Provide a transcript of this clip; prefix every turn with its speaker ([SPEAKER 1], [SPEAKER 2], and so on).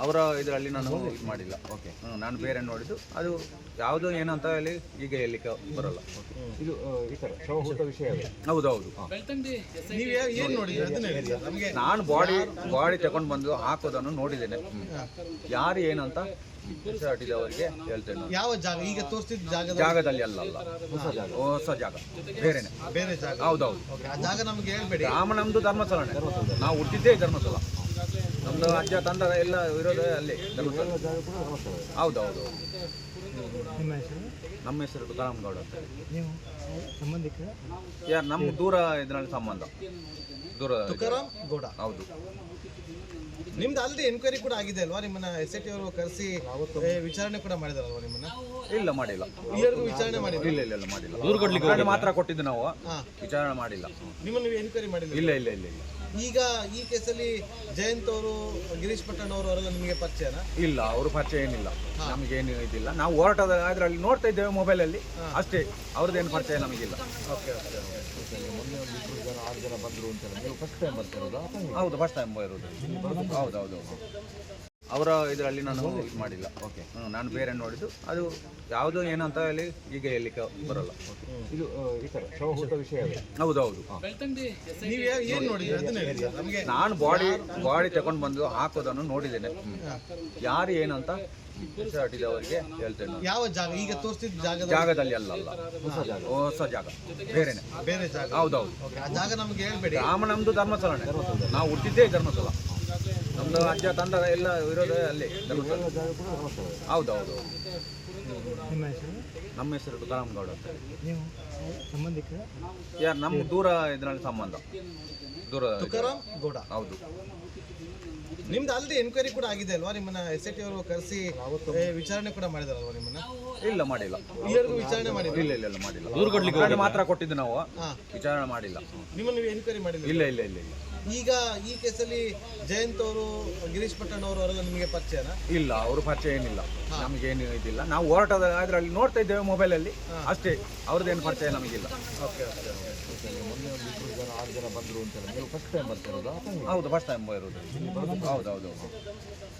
[SPEAKER 1] ಅವರ ಇದರಲ್ಲಿ ನಾನು ಇದು ಮಾಡಿಲ್ಲ.
[SPEAKER 2] ಓಕೆ.
[SPEAKER 1] ನಾನು ಬೇರೆ ನೋಡಿದ್ದು ಅದು ಯಾವುದು ಏನು ಅಂತ ಹೇಳಿ ಈಗ ಹೇಳಲಿಕ್ಕೆ ಬರಲ್ಲ.
[SPEAKER 2] ಇದು ಈ ಥರ ಶವಹೂತ ವಿಷಯವೇ.
[SPEAKER 1] ಹೌದೌದು.
[SPEAKER 3] ನೀವು ಏನು ನೋಡಿದ್ರಿ ಅದನ್ನ ಹೇಳಿ ನಮಗೆ.
[SPEAKER 1] ನಾನು ಬಾಡಿ ತಗೊಂಡು ಬಂದು ಹಾಕೋದನ್ನು ನೋಡಿದ್ದೇನೆ. ಯಾರು ಏನು ಅಂತ ಅವರಿಗೆ ಹೇಳ್ತೇನೆ.
[SPEAKER 3] ಯಾವ ಜಾಗ ಈಗ ತೋರಿಸಿದ
[SPEAKER 1] ಜಾಗದಲ್ಲಿ ಅಲ್ಲ ಹೊಸ ಜಾಗ ಬೇರೆನೆ.
[SPEAKER 3] ಬೇರೆ ಜಾಗ.
[SPEAKER 1] ಹೌದೌದು.
[SPEAKER 3] ಆ ಜಾಗ ನಮ್ಗೆ ಹೇಳ್ಬೇಡಿ.
[SPEAKER 1] ನಮ್ದು ಧರ್ಮಸ್ಥಳನೇ. ನಾವು ಹುಟ್ಟಿದ್ದೇ ಧರ್ಮಸ್ಥಳ. ನಮ್ದು ಅಜ್ಜ ತಂದ ಎಲ್ಲ ಇರೋದೇ ಅಲ್ಲಿ ಧರ್ಮಸ್ಥಳ. ಹೌದೌದು. ನಮ್ಮ ಹೆಸರು ತುಕಾರಾಮಗೌಡ ಅಂತ.
[SPEAKER 3] ನೀವು ಸಂಬಂಧಿಕ
[SPEAKER 1] ಯಾರು ನಮ್ಮ ದೂರ ಇದರಲ್ಲಿ ಸಂಬಂಧ. ದೂರ
[SPEAKER 3] ತುಕಾರಾಮ್ ಗೌಡ.
[SPEAKER 1] ಹೌದು.
[SPEAKER 3] ನಿಮ್ದು ಆಲ್ರೆಡಿ ಎನ್ಕ್ವೈರಿ ಕೂಡ ಆಗಿದೆ ಅಲ್ವಾ? ನಿಮ್ಮನ್ನ SIT ಅವರು ಕರೆಸಿ ವಿಚಾರಣೆ ಕೂಡ ಮಾಡಿದಾರಲ್ವಾ ನಿಮ್ಮನ್ನ?
[SPEAKER 1] ಇಲ್ಲ ಮಾಡಿಲ್ಲ.
[SPEAKER 3] ಇಲ್ಲಿವರೆಗೂ ವಿಚಾರಣೆ ಮಾಡಿಲ್ಲ.
[SPEAKER 1] ಇಲ್ಲ ಮಾಡಿಲ್ಲ. ದೂರು ಕೊಡ್ಲಿಕ್ಕೆ ಮಾತ್ರ ಕೊಟ್ಟಿದ್ದು ನಾವು.
[SPEAKER 3] ಹಾ.
[SPEAKER 1] ವಿಚಾರಣೆ ಮಾಡಿಲ್ಲ.
[SPEAKER 3] ನಿಮ್ಮನ್ನು ನೀವು ಎನ್ಕ್ವೈರಿ ಮಾಡಿಲ್ಲ?
[SPEAKER 1] ಇಲ್ಲ.
[SPEAKER 3] ಈಗ ಈ ಕೇಸಲ್ಲಿ ಜಯಂತ್ ಅವರು, ಗಿರೀಶ್ ಪಟ್ಟಣ್ ಅವರು ಅವರೆಲ್ಲ ನಿಮಗೆ ಪರಿಚಯನಾ?
[SPEAKER 1] ಇಲ್ಲ, ಅವರು ಪರಿಚಯ ಏನಿಲ್ಲ. ನಮಗೇನು ಇದಿಲ್ಲ. ನಾವು ಹೋರಾಟದ ಅದರಲ್ಲಿ ನೋಡ್ತಾ ಇದ್ದೇವೆ ಮೊಬೈಲಲ್ಲಿ ಅಷ್ಟೇ. ಅವ್ರದ್ದೇನು ಪರಿಚಯ ನಮಗಿಲ್ಲ.
[SPEAKER 3] ಓಕೆ.
[SPEAKER 2] ಮೊನ್ನೆ ಒಂದು 2 ಜನ 6 ಜನ ಬಂದರು ಅಂತಾರೆ. ನೀವು ಫಸ್ಟ್ ಟೈಮ್ ಬರ್ತಿರೋದಾ?
[SPEAKER 1] ಹೌದು, ಫಸ್ಟ್ ಟೈಮ್ ಇರೋದು. ಹೌದೌದು. ಅವರ ಇದರಲ್ಲಿ ನಾನು ಇದು ಮಾಡಿಲ್ಲ.
[SPEAKER 2] ಓಕೆ.
[SPEAKER 1] ನಾನು ಬೇರೆ ನೋಡಿದ್ದು ಅದು ಯಾವುದು ಏನು ಅಂತ ಹೇಳಿ ಈಗ ಹೇಳಲಿಕ್ಕೆ ಬರಲ್ಲ.
[SPEAKER 2] ಇದು ಈ ಥರ ಶವಹೂತ ವಿಷಯವೇ.
[SPEAKER 1] ಹೌದೌದು.
[SPEAKER 3] ನೀವು ಏನು ನೋಡಿದ್ರಿ ಅದನ್ನ ಹೇಳಿ ನಮಗೆ.
[SPEAKER 1] ನಾನು ಬಾಡಿ ತಗೊಂಡು ಬಂದು ಹಾಕೋದನ್ನು ನೋಡಿದ್ದೇನೆ. ಯಾರು ಏನು ಅಂತ ಅವರಿಗೆ ಹೇಳ್ತೇನೆ.
[SPEAKER 3] ಯಾವ ಜಾಗ ಈಗ ತೋರಿಸಿದ
[SPEAKER 1] ಜಾಗದಲ್ಲಿ ಅಲ್ಲ ಹೊಸ ಜಾಗ ಬೇರೆನೆ.
[SPEAKER 3] ಬೇರೆ ಜಾಗ.
[SPEAKER 1] ಹೌದೌದು.
[SPEAKER 3] ಆ ಜಾಗ ನಮ್ಗೆ ಹೇಳ್ಬೇಡಿ.
[SPEAKER 1] ನಮ್ದು ಧರ್ಮಸ್ಥಳನೇ. ನಾವು ಹುಟ್ಟಿದ್ದೇ ಧರ್ಮಸ್ಥಳ. ನಮ್ದು ಅಜ್ಜ ತಂದ ಎಲ್ಲ ಇರೋದೇ ಅಲ್ಲಿ ಧರ್ಮಸ್ಥಳ. ಹೌದೌದು. ನಮ್ಮ ಹೆಸರು ತುಕಾರಾಮಗೌಡ ಅಂತ.
[SPEAKER 3] ನೀವು ಸಂಬಂಧಿಕ
[SPEAKER 1] ಯಾರು ನಮ್ಮ ದೂರ ಇದರಲ್ಲಿ ಸಂಬಂಧ. ದೂರ
[SPEAKER 3] ತುಕಾರಾಮ್ ಗೌಡ.
[SPEAKER 1] ಹೌದು.
[SPEAKER 3] ನಿಮ್ದು ಆಲ್ರೆಡಿ ಎನ್ಕ್ವೈರಿ ಕೂಡ ಆಗಿದೆ ಅಲ್ವಾ? ನಿಮ್ಮನ್ನ SIT ಅವರು ಕರೆಸಿ ವಿಚಾರಣೆ ಕೂಡ ಮಾಡಿದಾರಲ್ವಾ ನಿಮ್ಮನ್ನ?
[SPEAKER 1] ಇಲ್ಲ ಮಾಡಿಲ್ಲ.
[SPEAKER 3] ಇಲ್ಲಿವರೆಗೂ ವಿಚಾರಣೆ ಮಾಡಿಲ್ಲ.
[SPEAKER 1] ಇಲ್ಲ ಮಾಡಿಲ್ಲ. ದೂರು ಕೊಡ್ಲಿಕ್ಕೆ ಮಾತ್ರ ಕೊಟ್ಟಿದ್ದು ನಾವು.
[SPEAKER 3] ಹಾ.
[SPEAKER 1] ವಿಚಾರಣೆ ಮಾಡಿಲ್ಲ.
[SPEAKER 3] ನಿಮ್ಮನ್ನು ನೀವು ಎನ್ಕ್ವೈರಿ ಮಾಡಿಲ್ಲ?
[SPEAKER 1] ಇಲ್ಲ.
[SPEAKER 3] ಈಗ ಈ ಕೇಸಲ್ಲಿ ಜಯಂತ್ ಅವರು, ಗಿರೀಶ್ ಪಟ್ಟಣ್ ಅವರು ಅವರೆಲ್ಲ ನಿಮಗೆ ಪರಿಚಯನಾ?
[SPEAKER 1] ಇಲ್ಲ, ಅವರು ಪರಿಚಯ ಏನಿಲ್ಲ. ನಮಗೇನು ಇದಿಲ್ಲ. ನಾವು ಹೋರಾಟದ ಅದರಲ್ಲಿ ನೋಡ್ತಾ ಇದ್ದೇವೆ ಮೊಬೈಲಲ್ಲಿ ಅಷ್ಟೇ. ಅವ್ರದ್ದೇನು ಪರಿಚಯ ನಮಗಿಲ್ಲ.
[SPEAKER 3] ಓಕೆ.
[SPEAKER 2] ಮೊನ್ನೆ ಒಂದು 2 ಜನ 6 ಜನ ಬಂದರು ಅಂತಾರೆ. ನೀವು ಫಸ್ಟ್ ಟೈಮ್ ಬರ್ತಿರೋದಾ?
[SPEAKER 1] ಹೌದು, ಫಸ್ಟ್ ಟೈಮ್ ಇರೋದು. ಹೌದೌದು.